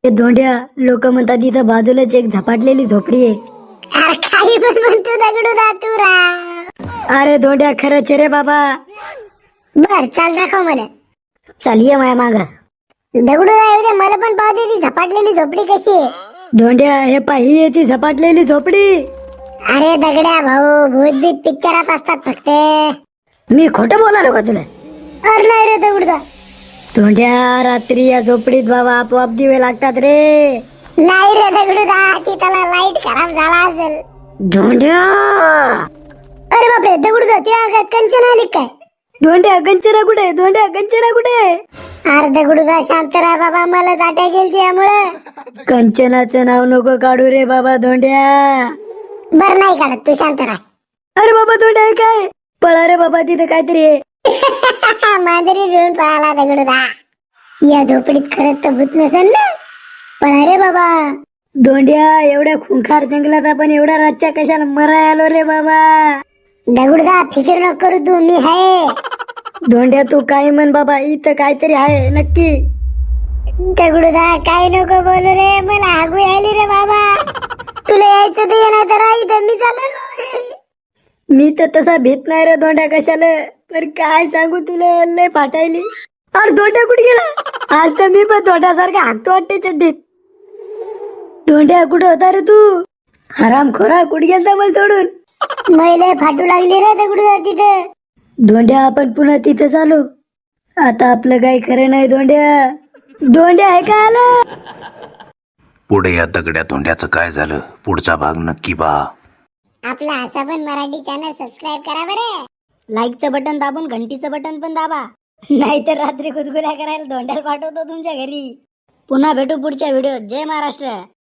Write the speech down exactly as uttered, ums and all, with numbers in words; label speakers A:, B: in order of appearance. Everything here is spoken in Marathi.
A: ते धोंड्या लोक म्हणतात इथं बाजूलाच एक झपाटलेली झोपडी आहे.
B: अरे काही पण म्हणतो दगडू दा तू राव.
A: अरे धोंड्या खरंच रे बाबा.
B: बर चाल दाखव मला.
A: चल ये माया माग.
B: दगडू दा येऊ दे, मला पण पाहू दे ती झपाटलेली झोपडी कशी आहे.
A: धोंड्या हे पाही आहे ती झपाटलेली झोपडी.
B: अरे दगड्या भाऊ, भूतबीत पिक्चरात असतात फक्त.
A: मी खोटं बोलालो का तुला?
B: अरे नाही रे दगडू दा.
A: धोंड्या रात्री या झोपडीत बाबा आपोआप दिवे लागतात रे.
B: नाही रे दगडू दा, ती त्याला लाईट खराब झाला असेल.
A: धोंड्या
B: अरे बापरे दगडू दा, तुझ्या अंगात कंचन आली काय?
A: धोंड्या गंचना कुठे? धोंड्या गंचना कुठे?
B: अरे दगडू दा शांत राहा बाबा, मला जाट्या गेली त्यामुळं.
A: कंचनाचं नाव नको काढू रे बाबा धोंड्या.
B: बर नाही काढत, तू शांत राहा.
A: अरे बाबा धोंड्या हे काय? पळा रे बाबा, तिथे काहीतरी आहे.
B: मांजरी घेऊन पळाला दगडू दा. या झोपडीत खरंच तर भूत नसेल ना? पळा रे बाबा.
A: धोंड्या एवढ्या खुंखार जंगलात आपण एवढ्या रातच्या कशाला मराय आलो रे बाबा?
B: दगडू दा फिकर नको करू तू, मी आहे.
A: धोंड्या तू काही म्हण बाबा, इथं काहीतरी आहे नक्की.
B: दगडू दा काय नको बोलू रे, मला हागू यायली रे बाबा. तुला यायचं तर येणार तर इथं मी चाललो.
A: मी तर तसा भीत नाही रे धोंड्या कशाला, पण काय सांगू तुला, लय फाटायली. अरे धोंड्या कुठे गेला? आज तर मी पण धोंड्यासारखा हाकतो वाटते चड्डीत. धोंड्या कुठे होता रे तू? हराम खोरा कुठे गेलता मला सोडून?
B: मैले फाटू लागली रे दगडू दा तिथे.
A: धोंड्या आपण पुन्हा तिथे चालू. आता आपलं काही खरं नाही धोंड्या. धोंड्या आहे का आलं?
C: पुढे या दगड्या धोंड्याचं काय झालं, पुढचा भाग नक्की पहा.
B: आपला असा पण मराठी चॅनल सबस्क्राईब करा बरं.
A: लाईकचं बटन दाबून घंटीचं बटन पण दाबा, नाहीतर रात्री गुदगुल्या करायला धोंड्याला पाठवतो तुमच्या घरी. पुन्हा भेटू पुढच्या व्हिडिओत. जय महाराष्ट्र.